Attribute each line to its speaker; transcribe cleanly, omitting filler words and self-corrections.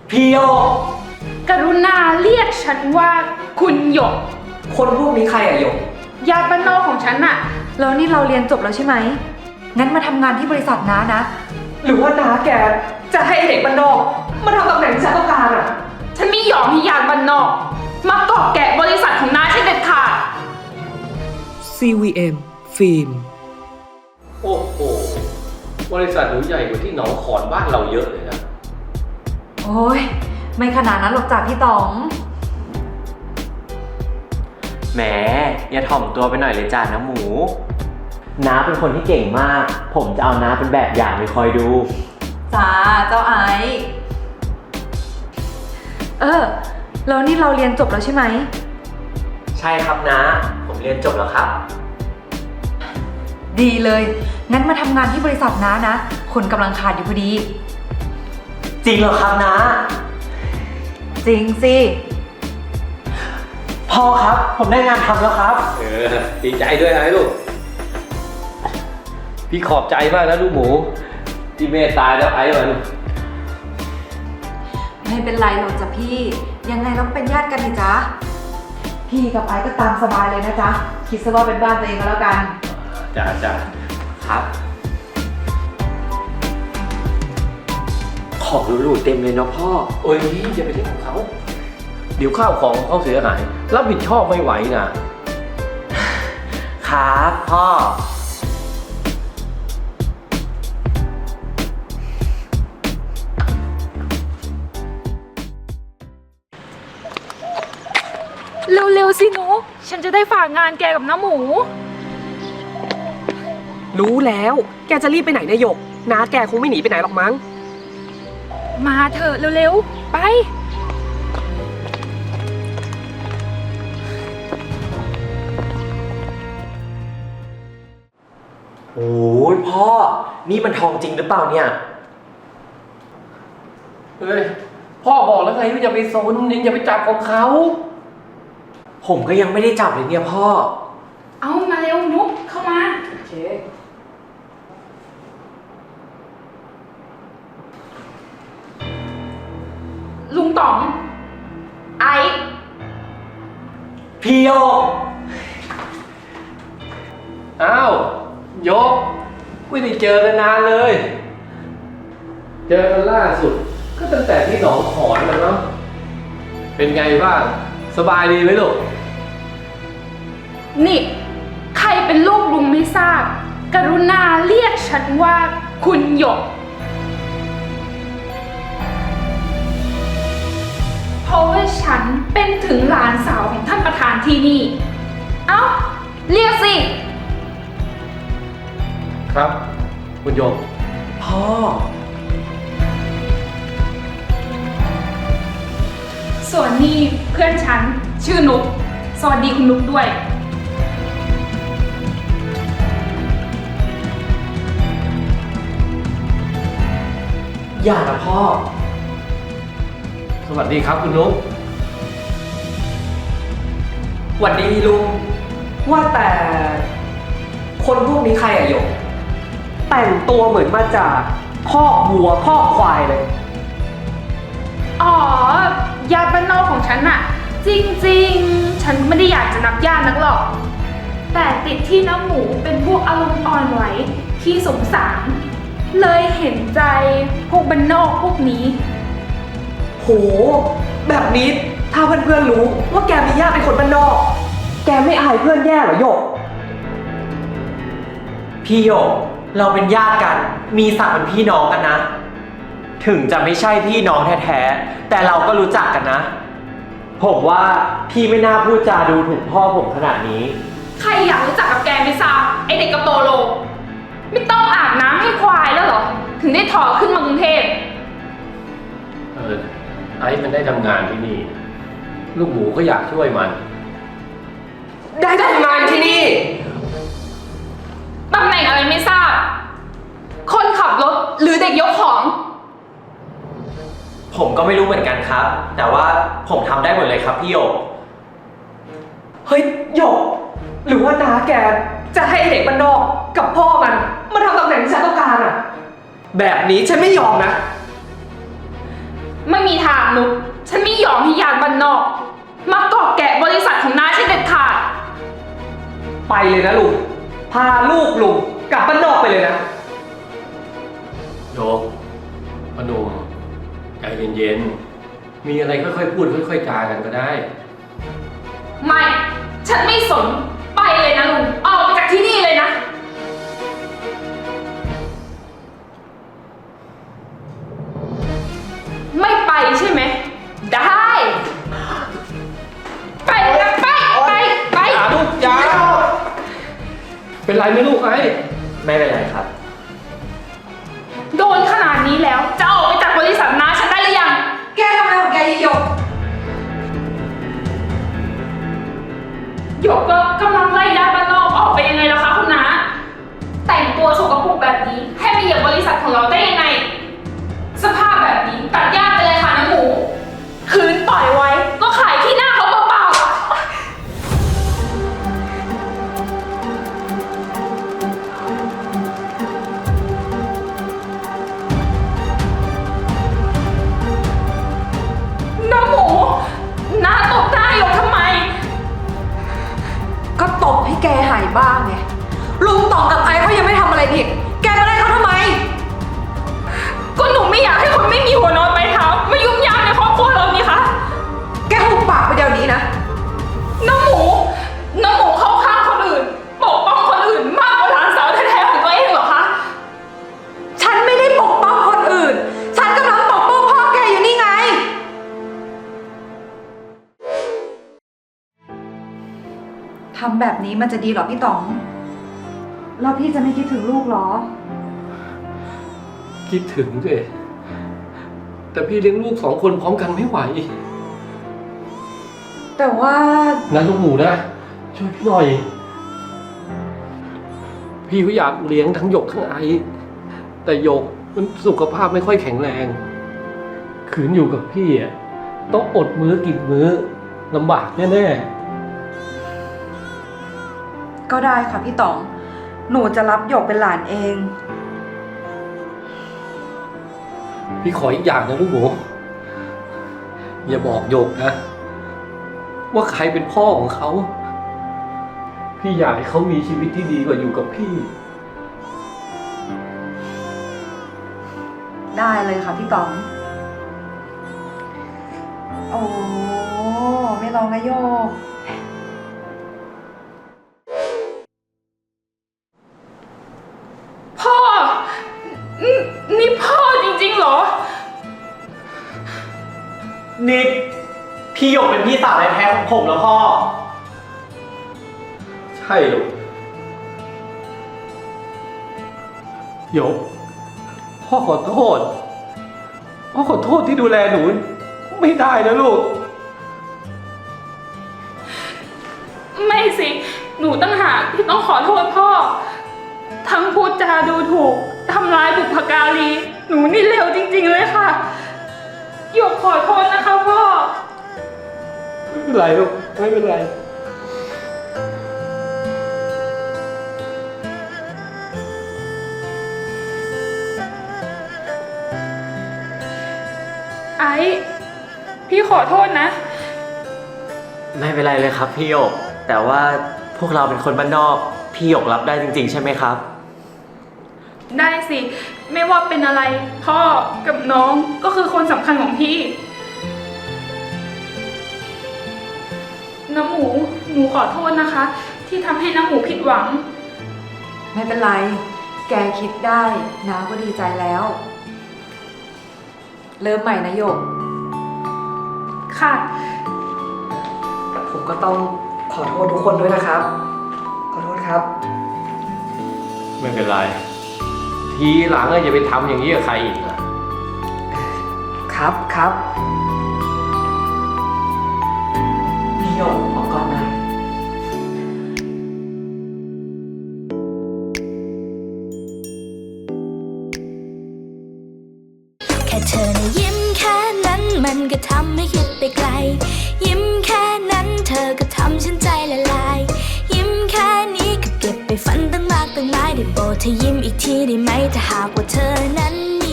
Speaker 1: พี่โยก
Speaker 2: กรุณาเรียกฉันว่าคุณหยก
Speaker 1: คนพวกนี้ใครอะโยก
Speaker 2: ญาติบ้านนอกของฉันน่ะ
Speaker 3: แล้วนี่เราเรียนจบแล้วใช่ไหมงั้นมาทำงานที่บริษัทน้านะ
Speaker 1: หรือว่าน้าแกจะให้เด็กบ้านนอกมาทำตำแหน่งที่ฉันต้องการอะ
Speaker 2: ฉันไม่ยอมให้ญาติบ้านนอกมาเกาะแกะบริษัทของน้าฉันเด็ดขาด
Speaker 4: CVM ฟิล์ม
Speaker 5: โอ้โหบริษัทหนูใหญ่กว่าที่หนองขอนบ้านเราเยอะเลยนะ
Speaker 3: โอ้ยไม่ขนาดนั้นหรอกจ้ะพี่ต๋อง
Speaker 6: แหมอย่าถ่อมตัวไปหน่อยเลยจ้าน้ำหมูน้าเป็นคนที่เก่งมากผมจะเอาน้าเป็นแบบอย่างไปคอยดู
Speaker 3: จ้าเจ้าไอซ์แล้วนี่เราเรียนจบแล้วใช่ไหม
Speaker 6: ใช่ครับน้าผมเรียนจบแล้วครับ
Speaker 3: ดีเลยงั้นมาทำงานที่บริษัทน้านะคนกำลังขาดอยู่พอดี
Speaker 6: จริงเหรอครับน้า
Speaker 3: จริงสิ
Speaker 6: พ่อครับผมได้งานทำแล้วครับ
Speaker 5: ดีใจด้วยนะลูกพี่ขอบใจมากนะลูกหมูที่เมตตาแล้วไอ้มัน
Speaker 3: ไม่เป็นไรหรอกจ้ะพี่ยังไงเราเป็นญาติกันนี่จ๊ะพี่กับไอซ์ก็ตามสบายเลยนะจ๊ะคิดซะว่าเป็นบ้านตัวเองก็แล้วกัน
Speaker 5: จ้า
Speaker 6: ครับ
Speaker 5: ของหรูๆเต็มเลยเนาะพ่อโอ้ยอย่าไปเล่นของเขาเดี๋ยวข้าวของเขาเสียหายรับผิดชอบไม่ไหว
Speaker 6: นะครับพ่อ
Speaker 2: เร็วๆสิหนูฉันจะได้ฝากงานแกกับน้าหมู
Speaker 1: รู้แล้วแกจะรีบไปไหนนะโยกน้าแกคงไม่หนีไปไหนหรอกมั้ง
Speaker 2: มาเถอะเร็วๆไป
Speaker 6: โอ้ยพ่อนี่มันทองจริงหรือเปล่าเนี่ย
Speaker 5: เฮ้ยพ่อบอกแล้วไงว่าอย่าไปซนอย่าไปจับของเขา
Speaker 6: ผมก็ยังไม่ได้จับเลยเนี่ยพ่อ
Speaker 2: เอามาเร็วนุ๊กเข้ามา
Speaker 1: โอเค
Speaker 2: ลุงต๋องไอ้
Speaker 6: พี่โยก
Speaker 5: อ้าวยกไม่ได้เจอกันนานเลย เจอกันล่าสุดก็ตั้งแต่ที่หนองขอนแล้วเนาะเป็นไงบ้างสบายดีไหมลูก
Speaker 2: นี่ใครเป็นลูกลุงไม่ทราบกรุณาเรียกฉันว่าคุณหยกเพราะว่าฉันเป็นถึงหลานสาวของท่านประธานที่นี่เอ้าเรียกสิ
Speaker 5: ครับคุณโยม
Speaker 6: พ่อ
Speaker 2: ส่วนนี่เพื่อนฉันชื่อนุกสวัสดีคุณนุกด้วย
Speaker 6: อย่านะพ่อ
Speaker 5: สวัสดีครับคุณนุ๊ก
Speaker 1: หวัดดีลุงว่าแต่คนพวกนี้ใครอะโยกแต่งตัวเหมือนมาจากคอกวัวคอกควายเลย
Speaker 2: อ๋อญาติบ้านนอกของฉันน่ะจริงๆฉันไม่ได้อยากจะนับญาตินักหรอกแต่ติดที่น้ำหมูเป็นพวกอารมณ์อ่อนไหวที่สงสารเลยเห็นใจพวกบ้านนอกพวกนี้
Speaker 1: โหแบบนี้ถ้าเพื่อนๆรู้ว่าแกมีญาติเป็นคนบ้านนอกแกไม่อายเพื่อนแย่เหรอโยก
Speaker 6: พี่โยกเราเป็นญาติกันมีศักดิ์เป็นพี่น้องกันนะถึงจะไม่ใช่พี่น้องแท้ๆแต่เราก็รู้จักกันนะผมว่าพี่ไม่น่าพูดจาดูถูกพ่อผมขนาดนี้
Speaker 2: ใครอยากรู้จักกับแกไม่ทราบไอเด็กกระโปโลไม่ต้องอาบน้ำให้ควายแล้วเหรอถึงได้ถอขึ้นมากรุงเทพ
Speaker 5: ไอ้มันได้ทำงานที่นี่ลูกหมูก็อยากช่วยมัน
Speaker 1: ได้ทำงานที่นี่
Speaker 2: ตำแหน่งอะไรไม่ทราบคนขับรถหรือเด็กยกของ
Speaker 6: ผมก็ไม่รู้เหมือนกันครับแต่ว่าผมทำได้หมดเลยครับพี่โยก
Speaker 1: เฮ้ยโยกหรือว่าน้าแกจะให้เด็กบ้านนอกกับพ่อมันมาทำตำแหน่งที่ฉันต้องการอะแบบนี้ฉันไม่ยอมนะ
Speaker 2: ไม่มีทางนุกฉันไม่ยอมให้ญาติบ้านนอกมาเกาะแกะบริษัทของน้าฉันเด็ดขาด
Speaker 1: ไปเลยนะลุง พาลูกลุงกลับบ้านนอกไปเลยนะ
Speaker 5: โยกพนมใจเย็นๆ มีอะไรค่อยๆพูดค่อยๆจากันก็ได้
Speaker 2: ไม่ ฉันไม่สน ไปเลยนะลุง ออกไปจากที่นี่เลยนะ ไม่ไปใช่ไหม ได้ ไปเลยนะไป
Speaker 5: อย่าลูกอย่าเป็นไรไหมลูกไอ้
Speaker 6: ไม่เป็นไรครับ
Speaker 2: โดนขนาดนี้แล้ว จะออกไปจากบริษัทน้าฉันได้หรือยัง
Speaker 3: แกทำอะไรของแกหยก
Speaker 2: หยกก็กำลังไล่ญาติบ้านนอกออกไปยังไงล่ะคะคุณน้า แต่งตัวสกปรกแบบนี้ให้มาเหยียบบริษัทของเราได้ยังไง สภาพแบบนี้ตัดญาติไปเลยค่ะน้าหมู คืนปล่อยไว้ก็ขายที่หน้าเขาเปล่าๆ น้าหมูน้าตบหน้าหยกทำไม
Speaker 3: ก็ตบให้แกหายบ้างไง ลุงต่องกับไอ้เขายังไม่ทำอะไรผิด แกมาไล่เขาทำไม
Speaker 2: ก็หนูไม่อยากให้คนไม่มีหัวนอนปลายเท้ามายุ่งยากในครอบครัวเรานี่คะ
Speaker 3: แกหุบปากไปเดี๋ยวนี้นะ
Speaker 2: น้าหมูเข้าข้างคนอื่นปกป้องคนอื่นมากกว่าหลานสาวแท้ๆของตัวเองเหรอคะ
Speaker 3: ฉันไม่ได้ปกป้องคนอื่น ฉันกำลังปกป้องพ่อแกอยู่นี่ไง ทำแบบนี้มันจะดีเหรอพี่ต๋อง แล้วพี่จะไม่คิดถึงลูกเหรอ
Speaker 5: คิดถึงสิแต่พี่เลี้ยงลูก2 คนพร้อมกันไม่ไหว
Speaker 3: แต่ว่า
Speaker 5: นะลูกหมูนะ ช่วยพี่หน่อย พี่ก็อยากเลี้ยงทั้งหยกทั้งไอแต่หยกมันสุขภาพไม่ค่อยแข็งแรงขืนอยู่กับพี่อ่ะต้องอดมื้อกินมื้อลำบากแน่
Speaker 3: ก็ได้ค่ะพี่ต๋อง หนูจะรับหยกเป็นหลานเอง
Speaker 5: ๆพี่ขออีกอย่างนะลูกหมูอย่าบอกหยกนะว่าใครเป็นพ่อของเขา พี่อยากให้เขามีชีวิตที่ดีกว่าอยู่กับพี่
Speaker 3: ได้เลยค่ะพี่ต๋อง โอ้ไม่ลองนะโยก
Speaker 2: พ่อ นี่พ่อจริงๆเหรอ
Speaker 6: นี่พี่หยกเป็นพี่สาวแท้ๆของผมแล้วพ่อ
Speaker 5: ใช่ลูกหยกพ่อขอโทษพ่อขอโทษที่ดูแลหนูไม่ได้นะลูก
Speaker 2: ไม่สิ หนูตั้งหากที่ต้องขอโทษพ่อ ทั้งพูดจาดูถูก ทำร้ายบุพการี หนูนี่เลวจริงๆเลยค่ะ หยกขอโทษนะคะพ่อ
Speaker 5: ไม่เป็นไรลูกไม่เป็นไร
Speaker 2: ไอ้พี่ขอโทษนะ
Speaker 6: ไม่เป็นไรเลยครับพี่หยก แต่ว่าพวกเราเป็นคนบ้านนอก พี่หยกรับได้จริงๆใช่ไหมครับ
Speaker 2: ได้สิ ไม่ว่าเป็นอะไร พ่อกับน้องก็คือคนสำคัญของพี่ น้ำหมู หนูขอโทษนะคะ ที่ทำให้น้ำหมูผิดหวัง
Speaker 3: ไม่เป็นไร แกคิดได้น้าก็ดีใจแล้ว เริ่มใหม่นะโยก
Speaker 2: ค่ะ
Speaker 1: ผมก็ต้องขอโทษทุกคนด้วยนะครับ ขอโทษครับ
Speaker 5: ไม่เป็นไร ทีหลังอย่าไปทำอย่างนี้กับใครอีกนะครับ
Speaker 1: ครับพี่หยกขอก่อนหน่อย
Speaker 4: แค่เธอนะยิ้มแค่นั้นมันก็ทำให้คิดไปไกล ยิ้มแค่นั้นเธอก็ทำฉันใจละลาย ยิ้มแค่นี้ก็เก็บไปฝันตั้งมากตั้งหลายได้โปรดเธอยิ้มอีกทีได้ไหมถ้าหากว่าเธอนั้น